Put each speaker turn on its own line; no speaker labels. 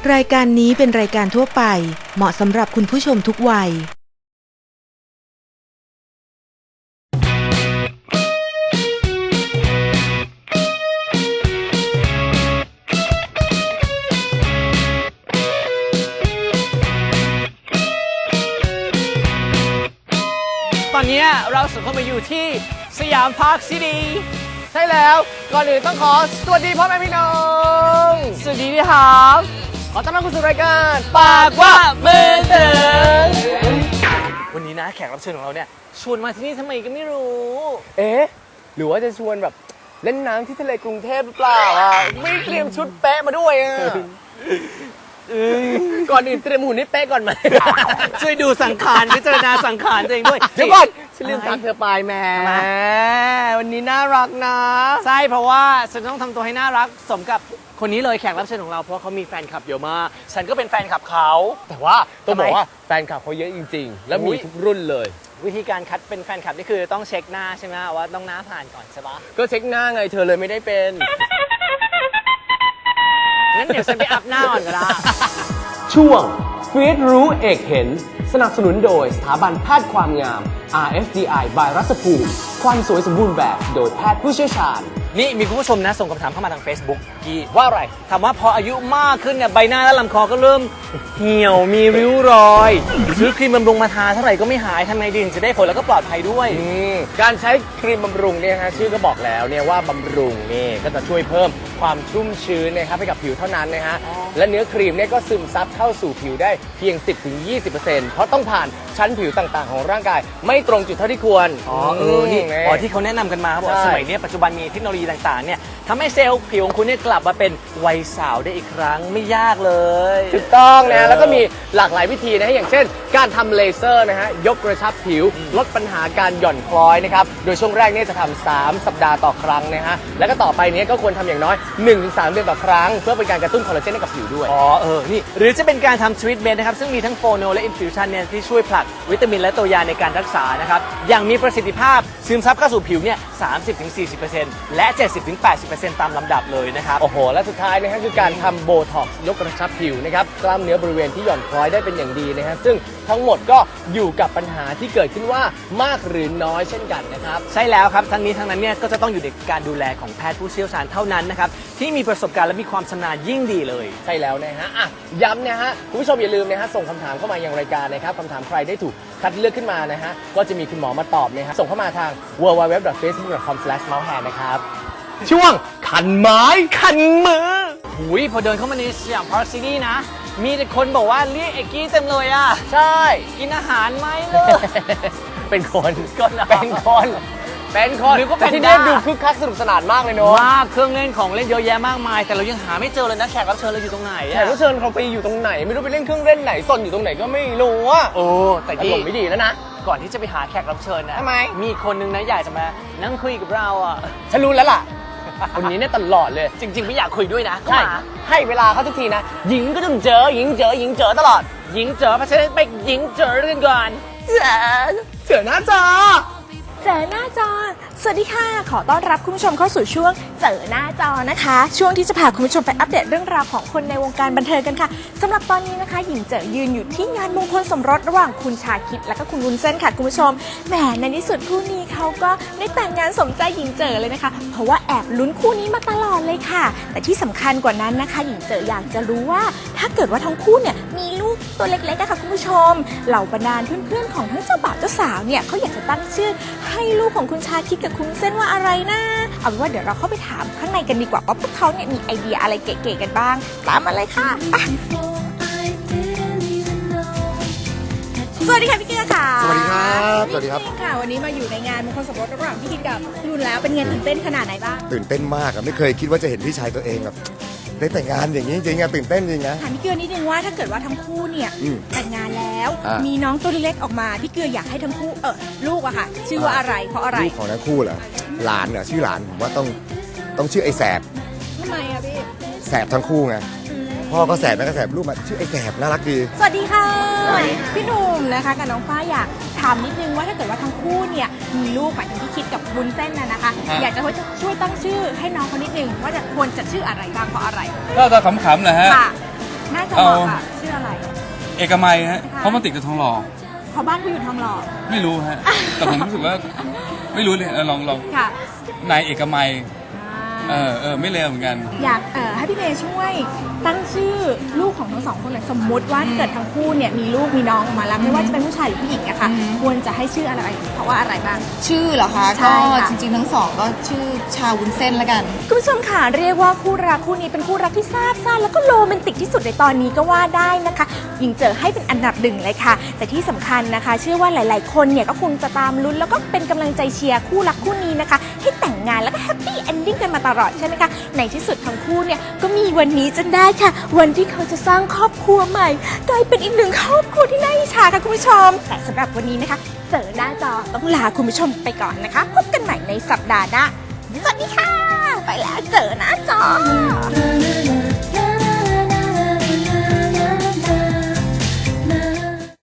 รายการนี้เป็นรายการทั่วไปเหมาะสำหรับคุณผู้ชมทุกวัย
ตอนนี้เราสุดเข้ามาอยู่ที่สยามพาร์คซิตี้ใช่แล้วก่อนอื่นต้องขอสวัสดีพ่อแม่พี่น้องสวัสดีครับขอต้อนรับเข้าสู่รายการปากว่ามือถึงวันนี้นะแขกรับเชิญของเราเนี่ยชวนมาที่นี่ทำไมก็ไม่รู้
หรือว่าจะชวนแบบเล่นน้ำที่ทะเลกรุงเทพหรือเปล่าอ่ะไม่เตรียมชุดเป๊ะมาด้วยอ่ะก่อนอื่นเตรียมหุ่นให้เป๊ะก่อนไหม
ช่วยดูสังขารพิจารณาสังขารตัวเองด้วย
เดี๋ยวก่อนฉันลืมทักเธอไปแหมวันนี้น่ารักนะ
ใช่เพราะว่าฉันต้องทำตัวให้น่ารักสมกับคนนี้เลยแขกรับเชิญของเราเพราะเขามีแฟนคลับเยอะมากฉันก็เป็นแฟนคลับเขา
แต่ว่าต้องบอกว่าแฟนคลับเขาเยอะจริงๆแล้วมีทุกรุ่นเลย
วิธีการคัดเป็นแฟนคลับนี่คือต้องเช็คหน้าใช่ไหมว่าต้องหน้าผ่านก่อนใช่ปะ
ก็เช็คหน้าไงเธอเลยไม่ได้เป็น
งั้นเดี๋ยวฉันไปอัพหน้าก่อนก็ได้
ช่วงฟีดรู้เอกเห็นสนับสนุนโดยสถาบันแพทย์ความงาม RFDI by รัศภูมิความสวยสมบูรณ์แบบโดยแพทย์ผู้เชี่ยวชาญ
นี่มีคุณผู้ชมนะส่งคำถามเข้ามาทาง Facebook กี้ว่าอะไรถามว่าพออายุมากขึ้นเนี่ยใบหน้าและลำคอก็เริ่มเหี่ยวมีริ้วรอยซื้อครีมบำรุงมาทาเท่าไหร่ก็ไม่หายทำไงดีจะได้ผลแล้วก็ปลอดภัยด้วย
การใช้ครีมบำรุงเนี่ยฮะชื่อก็บอกแล้วเนี่ยว่าบำรุงนี่ก็จะช่วยเพิ่มความชุ่มชื้นนะครับให้กับผิวเท่านั้นนะฮะและเนื้อครีมเนี่ยก็ซึมซับเข้าสู่ผิวได้เพียง 10-20% เพราะต้องผ่านชั้นผิวต่างๆของร่างกายไม่ตรงจุดเท่าที่ควร
นี่ที่เขาแนะนำกันมาเขาบอกสมัยนี้ปัจจุบันมีเทคโนโลยีต่างๆเนี่ยทำให้เซลล์ผิวของคุณเนี่ยกลับมาเป็นวัยสาวได้อีกครั้งไม่ยากเลย
ถูกต้องนะแล้วก็มีหลากหลายวิธีนะอย่างเช่นการทำเลเซอร์นะฮะยกกระชับผิวลดปัญหาการหย่อนคล้อยนะครับโดยช่วงแรกเนี่ยจะทำ3 สัปดาห์ต่อครั้งนะฮะแล้วก็ต่อไปนี้ก็ควรทำอย่างน้อย 1-3 เดือนต่อครั้งเพื่อเป็นการกระตุ้นคอลลาเจนให้กับผิวด้วย
นี่หรือจะเป็นการทำทรีทเมนต์นะครับซึ่งมีทั้งโฟโนและอินฟิวชันเนี่ยที่ช่วยผลักวิตามินและตัวยาในการรักษานะครับอย่างมีประสิทธิภาพซึมซับเข้าสู่ผิวเนี่ย 30-40% และ 70-80% ตามลำดับเลยนะครับ
โอ้โหและสุดท้ายนะฮะคือการทำโบท็อกซ์ยกกระชับผิวนะครับกล้ามเนื้อบริเวณที่หย่อนคล้อยได้เป็นอย่างดีนะฮะซึ่งทั้งหมดก็อยู่กับปัญหาที่เกิดขึ้นว่ามากหรือน้อยเช่นกันนะครับ
ใช่แล้วครับทั้งนี้ทั้งนั้นเนี่ยก็จะต้องอยู่ในการดูแลของแพทย์ผู้เชี่ยวชาญเท่านั้นนะครับที่มีประสบการณ์และมีความชำนาญยิ่งดีเลย
ใช่แล้วนะฮะย้ำนะฮะคุณผู้ชมอย่าลืมนะฮะส่งคำถามเข้ามายังรายการนะครับคำถามใครได้ถูกคัดเลือกขึ้นมานะฮะก็จะมีคุณหมอมาตอบนะฮะส่งเข้ามาทาง www.facebook.com/mousehand นะครับช่วงคันไม้คันมือ
พอเดินเข้ามาในสยามพาร์คซิตี้นะมีแต่คนบอกว่าเรียกเอกกี้เต็มเลยอ่ะ
ใช่
กินอาหารไหมเลย
เป็นคน
เป็นคน
หรือก็เป็นที่นี่ดูคึกคักสนุกสนานมากเลยเนาะ
มากเครื่องเล่นของเล่นเยอะแยะมากมายแต่เรายังหาไม่เจอเลยนะแขกรับเชิญเราอยู่ตรงไหน
แขกรับเชิญเขาไปอยู่ตรงไหนไม่รู้ไปเล่นเครื่องเล่นไหนซ่อนอยู่ตรงไหนก็ไม่รู้อ่ะ
แต่
ที่ไม่ดีแล้วนะ
ก่อนที่จะไปหาแขกรับเชิญนะ
ทำไม
มีคนนึงนะอยากจะมานั่งคุยกับเราอ่ะ
ฉันรู้แล้วล่ะคนนี้เนี่ยตลอดเลย
จริงๆไม่อยากคุยด้วยนะ
ใช่ให้เวลาเขาทุกทีนะหญิงก็ต้องเจอหญิงเจอตลอด
หญิงเจอเพราะฉะนั้นไปหญิงเจอกันก่อน
เจอหน้าจอ
สวัสดีค่ะขอต้อนรับคุณผู้ชมเข้าสู่ช่วงเจอหน้าจอนะคะช่วงที่จะพาคุณผู้ชมไปอัปเดตเรื่องราวของคนในวงการบันเทิงกันค่ะสำหรับตอนนี้นะคะหญิงเจอยืนอยู่ที่งานมงคลสมรสระหว่างคุณชาคิดและก็คุณวุ้นเส้นค่ะคุณผู้ชมแหมในที่สุดคู่นี้เขาก็ได้แต่งงานสมใจหญิงเจอเลยนะคะเพราะว่าแอบลุ้นคู่นี้มาตลอดเลยค่ะแต่ที่สำคัญกว่านั้นนะคะหญิงเจออยากจะรู้ว่าถ้าเกิดว่าทั้งคู่เนี่ยมีลูกตัวเล็กๆค่ะคุณผู้ชมเหล่าบรรดาเพื่อนๆของทั้งเจ้าบ่าวเจ้าสาวเนี่ยเขาอยากจะตั้งชื่อให้ลูกของคุณชาคิดกับคุณเส้นว่าอะไรนะเอาเป็นว่าเดี๋ยวเราเข้าไปถามข้างในกันดีกว่าว่าพวกเขาเนี่ยมีไอเดียอะไรเก๋ๆกันบ้างตามมาเลยค่ะสวัสดีค่ะพี่เกื้อค่ะ
สวัสดีครับสวัสดีครับ
ค่ะวันนี้มาอยู่ในงานมงคลสมรสระหว่างพี่คิดกับพี่รุ่นแล้วเป็นไงตื่นเต้นขนาดไหนบ้าง
ตื่นเต้นมากอะไม่เคยคิดว่าจะเห็นพี่ชายตัวเองแบบได้แต่งงานอย่างนี้จริงๆอะตื่นเต้นจริงนะ
ถามพี่เกื้อนิดนึงว่าถ้าเกิดว่าทั้งคู่เนี่ยแต่งงานแล้วมีน้องตัวเล็กออกมาพี่เกื้ออยากให้ทั้งคู่ลูกอะค่ะชื่อว่าอะไรเพราะอะไร
ลูกของทั้งคู่เหรอหลานเหรอชื่อหลานผมว่าต้องชื่อไอ้แสบ
ทำไมอะพี่
แสบทั้งคู่ไงพ่อก็แสบแม่ก็แสบลูกมาชื่อไอ้แสบน่ารักดี
สวัสดีค่ะพี่หนุ่มนะคะกับน้องฟ้าอยากถามนิดนึงว่าถ้าเกิดว่าทั้งคู่เนี่ยมีลูกหมายถึงที่คิดกับวุ้นเส้นนะคะอยากจะช่วยตั้งชื่อให้น้องเขานิดนึงว่าจะควรจะชื่ออะไรบ้างเพราะอะไร
ก็ขำๆนะฮะ
น่าจะเหมาะอะชื่ออะไร
เอกมัยฮะเพราะมันติดกับทองหล่อ
เพราะบ้านเขาอยู่ทองหล่อ
ไม่รู้ฮะ แต่ผมรู้สึกว่าไม่รู้เลยลอง
ค่ะ
นายเอกมัยไม่เลวเหมือนกัน
อยากให้พี่เมย์ช่วยตั้งชื่อลูกของทั้งสองคนหน่อยสมมุติว่าเกิดทั้งคู่เนี่ยมีลูกมีน้องออกมาแล้วไม่ว่าจะเป็นผู้ชายหรือผู้หญิงอะค่ะควรจะให้ชื่ออะไรเพราะว่าอะไรบ้าง
ชื่อเหรอคะ
ใช่
ก็
ค่ะ
จริงๆทั้งสองก็ชื่อชาวุ้นเส้นละกัน
คุณผู้ชมค่ะเรียกว่าคู่รักคู่นี้เป็นคู่รักที่ซาบซ่านแล้วก็โรแมนติกที่สุดในตอนนี้ก็ว่าได้นะคะหญิงเจอให้เป็นอันดับหนึ่งเลยค่ะ แต่ที่สำคัญนะคะ เชื่อว่าหลาย ๆ คนเนี่ยก็คงจะตามลุ้นแล้วก็เป็นกำลังใจเชียร์คู่รักคู่นี้นะคะให้แต่งงานแล้วก็แฮปปี้เอนดิ้งกันมาตลอดใช่ไหมคะในที่สุดทั้งคู่เนี่ยก็มีวันนี้จนได้ค่ะ วันที่เขาจะสร้างครอบครัวใหม่กลายเป็นอีกหนึ่งครอบครัวที่น่าอิจฉาค่ะคุณผู้ชมแต่สำหรับวันนี้นะคะเจอหน้าจอต้องลาคุณผู้ชมไปก่อนนะคะพบกันใหม่ในสัปดาห์หน้าสวัสดีค่ะ ไปแล้วเจอหน้าจอ